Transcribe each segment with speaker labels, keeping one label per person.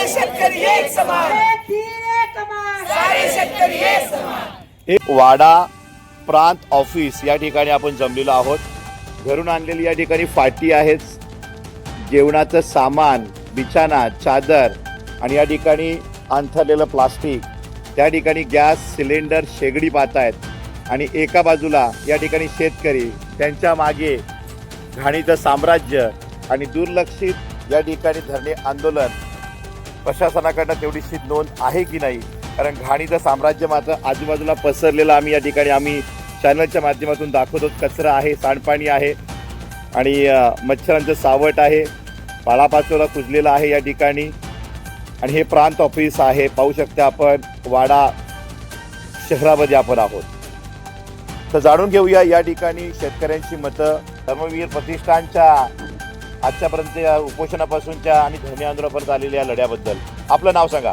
Speaker 1: सारे शेतकरी एक समान, सारे शेतकरी एक समान।
Speaker 2: वाडा प्रांत ऑफिस या ठिकाणी आपण जमलेलो आहोत। घरून आणलेली या ठिकाणी फाटी आहेत, जेवणाचं सामान, बिछाना, चादर आणि या ठिकाणी अंथरलेलं प्लास्टिक, त्या ठिकाणी गॅस सिलेंडर शेगडी पाहतायत आणि एका बाजूला या ठिकाणी शेतकरी, त्यांच्या मागे घाणीचं साम्राज्य आणि दुर्लक्षित या ठिकाणी धरणे आंदोलन। प्रशासनाकडनं तेवढीशी नोंद आहे की नाही, कारण घाणीचं साम्राज्य मात्र आजूबाजूला पसरलेलं आम्ही चॅनलच्या माध्यमातून दाखवतो। कचरा आहे, सांडपाणी आहे आणि मच्छरांचं सावट आहे, पालापाचोळा कुजलेला आहे या ठिकाणी। आणि हे प्रांत ऑफिस आहे, पाहू शकता आपण वाडा शहरामध्ये आपण आहोत। तर जाणून घेऊया या ठिकाणी शेतकऱ्यांची मतं, धर्मवीर प्रतिष्ठानच्या आजच्यापर्यंत या उपोषणापासूनच्या आणि धरणे आंदोलनापर्यंत आलेल्या लढ्याबद्दल। आपलं नाव सांगा।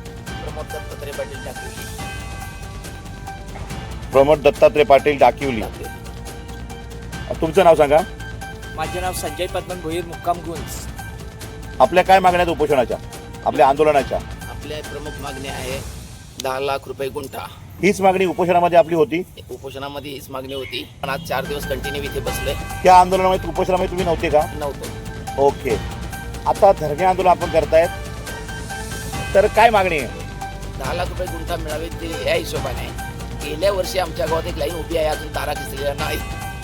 Speaker 2: प्रमोद दत्तात्रय पाटील डाकिवली। तुमचं नाव सांगा।
Speaker 3: माझे नाव संजय पद्मन भोईर, मुक्काम गुंज।
Speaker 2: आपल्या काय मागण्या आहेत उपोषणाच्या, आपल्या आंदोलनाच्या?
Speaker 3: आपल्या प्रमुख मागणी आहे 10 लाख रुपये गुंठा।
Speaker 2: हीच मागणी उपोषणामध्ये आपली होती?
Speaker 3: उपोषणामध्ये हीच मागणी होती, पण आज 4 दिवस कंटिन्यू इथे बसलोय।
Speaker 2: त्या आंदोलनामध्ये उपोषणामध्ये तुम्ही नव्हते का?
Speaker 3: नव्हतो।
Speaker 2: ओके, आता धरणे आंदोलन आपण करतायत, तर काय मागणी आहे?
Speaker 3: 10 लाख रुपये गुंठा मिळावे ते या हिशोबाने। गेल्या वर्षी आमच्या गावात एक लाईन उभी आहे, अजून तारा खिचलेल्या नाही।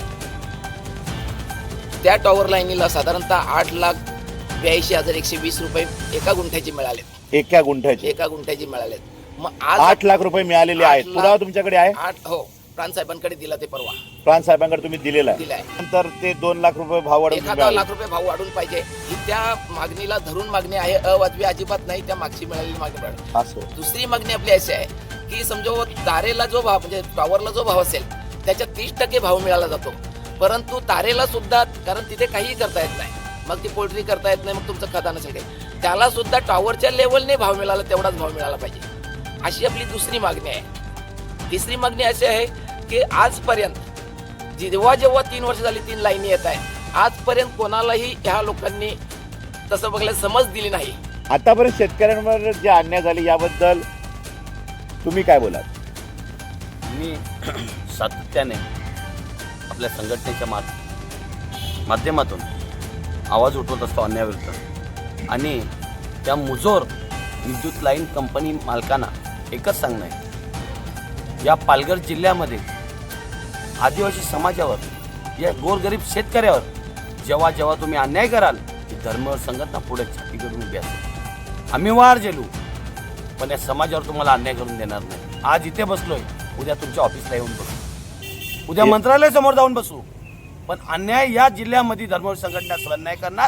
Speaker 3: त्या टॉवर लाईनीला साधारणतः 8,82,120 रुपये एका गुंठ्याचे मिळाले।
Speaker 2: एका गुंठ्याचे?
Speaker 3: एका गुंठ्याचे मिळाले। मग आज
Speaker 2: 8 लाख रुपये मिळालेले आहेत। पुरावा तुमच्याकडे आहे?
Speaker 3: हो, प्रांत साहेबांकडे दिला ते परवा।
Speaker 2: प्रांत साहेबांकडे तुम्ही दिलेला
Speaker 3: दिलाय।
Speaker 2: नंतर ते 2 लाख रुपये भाव वाढवून
Speaker 3: 1 लाख रुपये भाव वाढून पाहिजे, ही त्या मागणीला धरून मागणी आहे। अवाजवी अजिबात नाही, त्या मागची मिळालेली मागणी।
Speaker 2: असं
Speaker 3: दुसरी मागणी आपली अशी आहे की समजा तारेला जो भाव म्हणजे टॉवरला जो भाव असेल त्याच्या 30% भाव मिळाला जातो, परंतु तारेला सुद्धा, कारण तिथे काहीही करता येत नाही, मग ती पोल्ट्री करता येत नाही, मग तुमचं खतानं सगळे, त्याला सुद्धा टॉवरच्या लेवलने भाव मिळाला, तेवढाच भाव मिळाला पाहिजे, अशी आपली दुसरी मागणी आहे। तिसरी मागणी अशी आहे की आजपर्यंत जेव्हा 3 वर्ष झाली 3 लाईनी येत आहे, आजपर्यंत कोणालाही ह्या लोकांनी तसं बघायला समज दिली नाही।
Speaker 2: आतापर्यंत शेतकऱ्यांवर जे अन्याय झाले याबद्दल तुम्ही काय बोलाल?
Speaker 4: मी सातत्याने आपल्या संघटनेच्या माध्यमातून आवाज उठवत असतो अन्यायाविरुद्ध, आणि त्या मुजोर विद्युत लाईन कंपनी मालकांना एकच सांगणं आहे, या पालघर जिल्ह्यामध्ये आदिवासी समाजावर, या गोरगरीब शेतकऱ्यावर जेव्हा जेव्हा तुम्ही अन्याय कराल, की धर्म संघटना पुढे छाती करून उभी असेल। आम्ही वार झेलू, पण या समाजावर तुम्हाला अन्याय करून देणार नाही। आज इथे बसलोय, उद्या तुमच्या ऑफिसला येऊन बसू, उद्या मंत्रालयासमोर जाऊन बसू, पण अन्याय या जिल्ह्यामध्ये धर्मवीर संघटना सहन नाही करणार।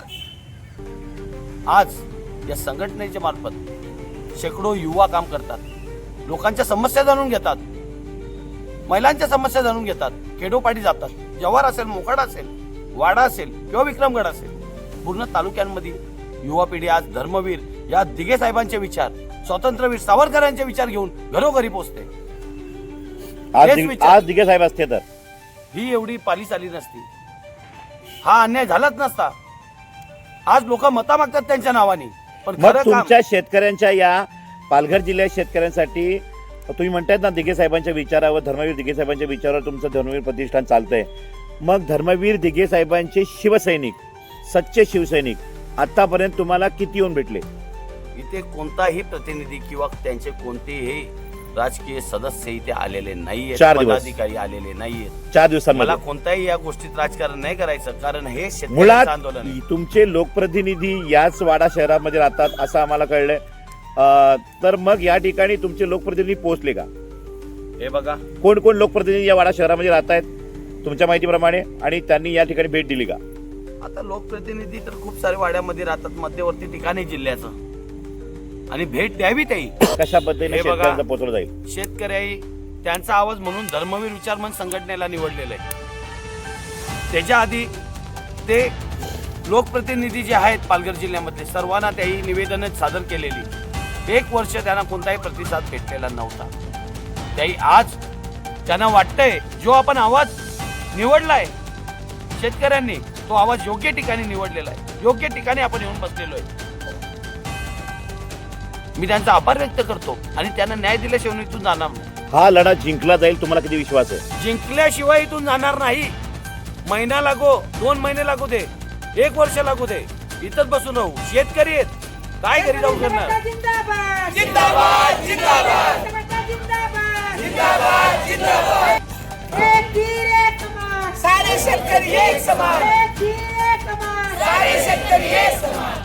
Speaker 4: आज या संघटनेच्या मार्फत शेकडो युवा काम करतात, लोकांच्या समस्या जाणून घेतात, महिलांच्या समस्या जाणून घेतात, खेडोपाडी जातात। जव्हार असेल, मोखाडा असेल, वाडा असेल किंवा विक्रमगड असेल, पूर्ण तालुक्यांमध्ये युवा पिढी आज धर्मवीर या दिघे साहेबांचे विचार, स्वातंत्र्यवीर सावरकरांचे विचार घेऊन घरोघरी पोहोचते।
Speaker 2: आज दिघे साहेब असते तर
Speaker 4: ही एवढी पाली चाली नसती, हा अन्याय झालाच नसता। आज लोक मता मागतात त्यांच्या नावाने, पण
Speaker 2: मग तुमच्या शेतकऱ्यांच्या, या पालघर जिल्ह्यात शेतकऱ्यांसाठी तुम्ही म्हणतायत ना, दिघे साहेबांच्या विचारावर, धर्मवीर दिघे साहेबांच्या विचारावर तुमचं धर्मवीर प्रतिष्ठान चालतंय, मग धर्मवीर दिघे साहेबांचे शिवसैनिक, सच्चे शिवसैनिक आतापर्यंत तुम्हाला किती येऊन भेटले?
Speaker 4: इथे कोणताही प्रतिनिधी किंवा त्यांचे कोणतेही राजकीय सदस्य इथे आलेले नाहीये, पदाधिकारी आलेले नाहीयेत
Speaker 2: 4 दिवसांमध्ये।
Speaker 4: मला कोणत्याही या गोष्टीत राजकारण नाही करायचं, कारण हे
Speaker 2: मुळात
Speaker 4: आंदोलन आहे।
Speaker 2: तुमचे लोकप्रतिनिधी याच वाडा शहरामध्ये राहतात असं आम्हाला कळलंय, तर मग या ठिकाणी तुमचे लोकप्रतिनिधी पोहोचले का?
Speaker 4: हे बघा,
Speaker 2: कोण कोण लोकप्रतिनिधी या वाडा शहरामध्ये राहत आहेत तुमच्या माहितीप्रमाणे, आणि त्यांनी या ठिकाणी भेट दिली का?
Speaker 4: आता लोकप्रतिनिधी तर खूप सारे वाड्यामध्ये राहतात, मध्यवर्ती ठिकाणी जिल्ह्याचं, आणि भेट द्यावी त्याही
Speaker 2: कशा पद्धतीने शेतकऱ्यांना पोहोचवलं जाईल?
Speaker 4: शेतकरी त्यांचा आवाज म्हणून धर्मवीर विचार मंच संघटनेला निवडलेलं आहे। त्याच्या आधी ते लोकप्रतिनिधी जे आहेत पालघर जिल्ह्यामधले, सर्वांना त्याही निवेदन सादर केलेली। 1 वर्ष त्यांना कोणताही प्रतिसाद भेटलेला नव्हता। त्याही आज त्यांना वाटतंय, जो आपण आवाज निवडलाय शेतकऱ्यांनी, तो आवाज योग्य ठिकाणी निवडलेला आहे, योग्य ठिकाणी आपण येऊन बसलेलो आहे। मी त्यांचा आभार व्यक्त करतो आणि त्यांना न्याय दिल्याशिवाय इथून जाणार नाही.
Speaker 2: हा लढा जिंकला जाईल, तुम्हाला किती विश्वास आहे?
Speaker 4: जिंकल्याशिवाय इथून जाणार नाही. महिना लागो, 2 महिने लागू दे, 1 वर्ष लागू दे, इथंच बसून राहू. शेतकरी आहेत, काय घरी जाऊ करणार?
Speaker 1: जिंदाबाद
Speaker 3: जिंदाबाद जिंदाबाद
Speaker 1: जिंदाबाद
Speaker 3: जिंदाबाद जिंदाबाद
Speaker 1: एक तीर एक कमान
Speaker 3: सारे शेतकरी एक समान
Speaker 1: एक तीर एक कमान
Speaker 3: सारे शेतकरी एक समान